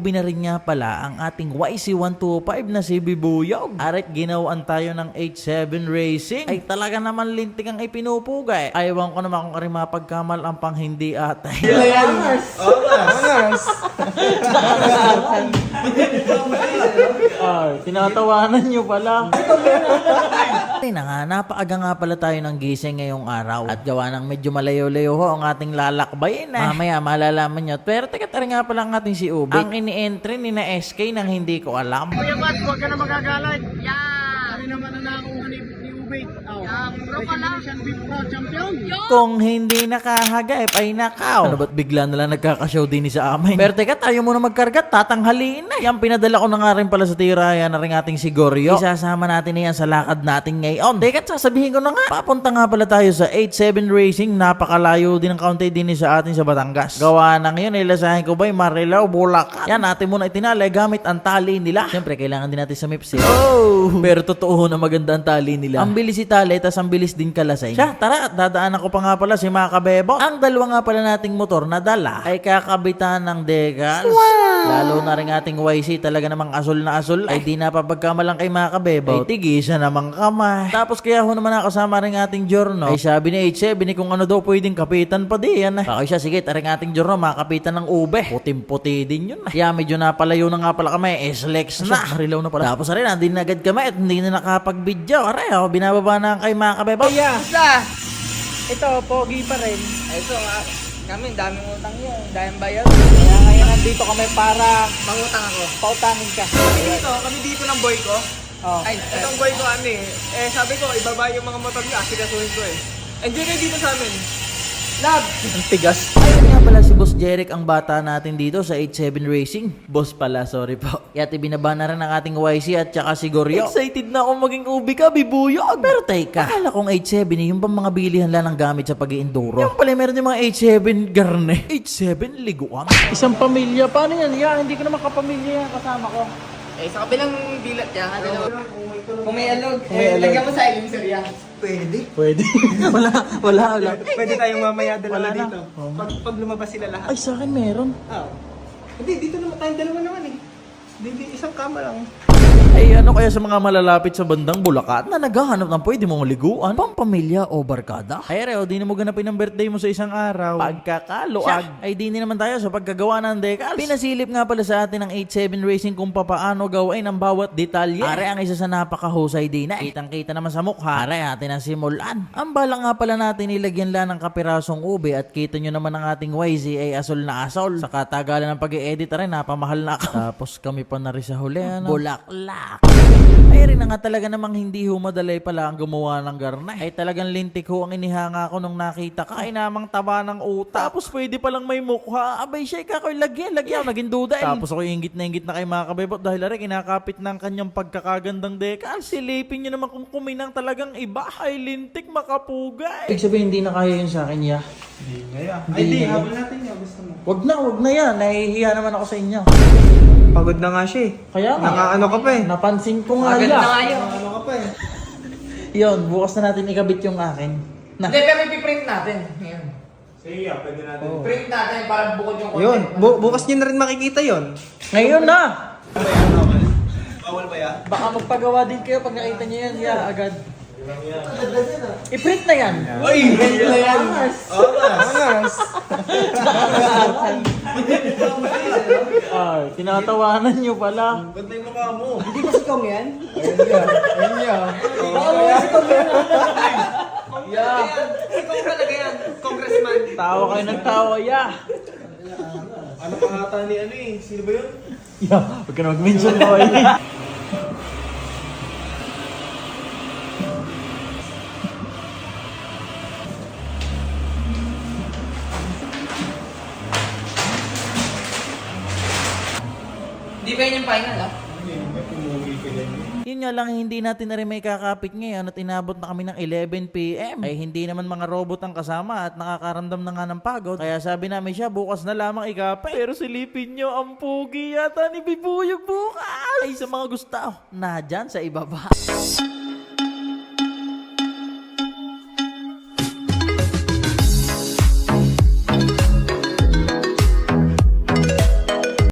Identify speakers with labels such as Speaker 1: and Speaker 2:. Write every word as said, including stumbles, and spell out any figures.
Speaker 1: nag-ubi na rin nga pala ang ating Y C one twenty-five na si Bibuyog. Arit ginawaan tayo ng eight seven Racing. Ay talaga naman lintik ang ipinupugay. Aywan ko naman kung kari mapagkamal ang pang hindi atay.
Speaker 2: Angas! Angas!
Speaker 1: Ay, tinatawanan nyo pala. Ay na nga, napaaga nga pala tayo ng gising ngayong araw. At gawa ng medyo malayo-layo ho ang ating lalakbayin eh. Mamaya malalaman nyo. Pero teka tara nga pala ang ating si Ube. Ang ini-entry ni na S K nang hindi ko alam.
Speaker 2: Kuya Matt, huwag ka na magagalit.
Speaker 3: Yan!
Speaker 2: Kami naman ang nakakuha ni, ni Ube. Oh.
Speaker 3: Yan, bro pala.
Speaker 2: Indonesian Beef Pro Champion.
Speaker 1: Kung hindi nakahagip ay nakaw. Ano ba't bigla na lang nagkakashow din ni sa amin? Pero teka, tayo muna magkarga, tatanghaliin na. Yan, pinadala ko na nga rin pala sa tiraya na rin ating si Goryo. Isasama natin na yan sa lakad natin ngayon. Teka, sasabihin ko na nga. Papunta nga pala tayo sa eight seven Racing. Napakalayo din ang kaunti din sa atin sa Batangas. Gawa na ngayon, ilasahin ko ba'y Marilao, Bulacan. Yan, natin muna itinalay gamit ang tali nila. Siyempre, kailangan din natin sa M I P S. Oh! Pero totoo na maganda ang tali nila. Ang bilis itali, tas ang bilis din kalasay. Siya, tara, at dadaanan ko pa nga pala si Makabebo. Ang dalawa nga pala nating motor na dala ay kakabitan ng decals. Wow! Lalo na rin ating Y C talaga namang asul na asul. Ay di napapagkamalang kay Makabebo. Ay tigisa namang kamay. Tapos kaya ho naman nakasama rin ating Jorno. Ay sabi ni H seven kung ano daw pwedeng kapitan pa di yan. Bakit siya, sige, taring ating Jorno makapitan ng ube. Putim-puti din yun. Kaya medyo napalayo na nga pala kami. S-Lex na. Marilaw na pala. Tapos rin, hindi na agad kami at hindi na nakapag-video. Aray, oh, binababa na kay Makabebo.
Speaker 2: Kuya,
Speaker 3: Basta!
Speaker 2: ito, pogi pa rin.
Speaker 3: Ito nga, kami, daming utang yun. Daming bayad.
Speaker 2: Kaya ngayon nandito kami para
Speaker 3: Mangutang ako.
Speaker 2: pautangin ka.
Speaker 4: Kami dito, kami dito ng boy ko.
Speaker 2: Oh.
Speaker 3: Ay,
Speaker 4: Itong boy ko ano eh. Eh sabi ko, ibaba yung mga motor niyo, asikasuhin ko eh. Enjoy kayo dito sa amin.
Speaker 2: Love! Ang tigas.
Speaker 1: Ayun nga pala si Boss Jeric ang bata natin dito sa eight seven Racing. Boss pala, sorry po. Yat ibinaba na rin ang ating Y C at saka si Goryo. Excited na ako maging ubi ka, Bibuyog. Pero teka, akala kong eight seven eh, yung bang mga bilihan lang ng gamit sa pag-i-enduro. Yung pala meron yung mga eight seven garne. eight seven liguan.
Speaker 2: Isang pamilya. Paano yan? Yeah, hindi ko naman kapamilya yan kasama ko.
Speaker 3: Eh, sa kabilang bilat niya, ano, kung may alog,
Speaker 2: Kung may
Speaker 3: eh,
Speaker 2: alog.
Speaker 3: lagyan mo sa ilim, sir, yan.
Speaker 4: Pwede.
Speaker 2: Pwede. wala, wala, wala.
Speaker 4: Pwede tayong mamaya dalawa
Speaker 2: Wala na.
Speaker 4: dito. Pag, pag lumabas sila lahat.
Speaker 2: Ay, sa akin meron.
Speaker 4: Ah. Hindi, dito naman tayong dalawa naman eh. Hindi, isang kama lang.
Speaker 1: Ay ano kaya sa mga malalapit sa bandang Bulacan na naghahanap ng pwede mong liguan, pampamilya o barkada? Ay reo, di na mo ganapin ang birthday mo sa isang araw. Pagkakaluag, ay di na naman tayo sa pagkagawa ng decals. Pinasilip nga pala sa atin ng eight seven Racing kung papaano gawain ang bawat detalye. Are ang isa sa napakahusay din na. Kitang kita naman sa mukha. Are atin ang simulan. Ang bala nga pala natin nilagyan lang ng kapirasong ube at kita nyo naman ang ating Y Z ay asol na asol. Sa katagalan ng pag-i-edit rin, napamahal na ako. Tapos kami pa na rin sa huli. Ano? Bulaklak. Ay rin na nga talaga namang hindi humadalay pala ang gumawa ng garna. Ay talagang lintik ho ang inihanga ko nung nakita ka. Ay namang taba ng utak. Tapos pwede palang may mukha. Abay siya kakoy lagyan. Lagyan. Naging duda. Tapos ako ingit na ingit na kay Makabebot dahil ari kinakapit ng kanyang pagkakagandang dekal. Silipin niyo naman kung kuminang talagang iba. Ay lintik makapugay. Ibig sabihin hindi na kaya yun sa akin ya.
Speaker 4: Hindi ngaya. Ay, di, habol natin niya. Gusto mo.
Speaker 1: Wag na, wag na yan. Nahihiya naman ako sa inyo.
Speaker 4: Pagod na nga siya eh.
Speaker 1: Kaya nga.
Speaker 4: Nakaano ka pa eh.
Speaker 1: Napansin ko nga
Speaker 3: Agad na nga
Speaker 1: yan.
Speaker 3: yun.
Speaker 4: Nakaano ka pa eh.
Speaker 1: Yun, bukas na natin ikabit yung akin. Na.
Speaker 3: Hindi, pero ipiprint natin. Ngayon.
Speaker 4: Sige, yeah, pwede natin.
Speaker 1: Oh.
Speaker 3: Print natin para bukod yung content.
Speaker 4: Yun, bu- bukas niyo na rin makikita yun.
Speaker 1: Ngayon na!
Speaker 4: Bawal ba yan?
Speaker 1: Baka magpagawa din kayo pag nakita niyo yan. Yeah, agad. I-print na yan.
Speaker 4: Uy!
Speaker 1: Print na yan.
Speaker 4: Angas!
Speaker 1: Ay, tinatawanan nyo pala.
Speaker 4: Ba't na yung mukha mo?
Speaker 3: Hindi ba si Kong yan?
Speaker 4: Ayun niya.
Speaker 3: Baka mo si Kong yan.
Speaker 4: Yeah. Si Kong talaga yan. Congressman.
Speaker 1: Tawa kayo ng tawa, yeah.
Speaker 4: Ano pangata ni ano eh? Sino ba yun?
Speaker 1: Yeah, huwag ka na mag-mention mo eh.
Speaker 3: Hindi ba yun yung final, ah?
Speaker 4: Hindi, may pumugi ka dyan.
Speaker 1: Yun nga lang, hindi natin na rin may kakapit ngayon at inabot na kami ng eleven p m Ay hindi naman mga robot ang kasama at nakakaramdam na nga ng pagod. Kaya sabi namin siya, bukas na lamang ikapit. Pero silipin nyo, ang pugi yata ni Bibuyog bukas. Ay sa mga gusto, na dyan sa ibaba.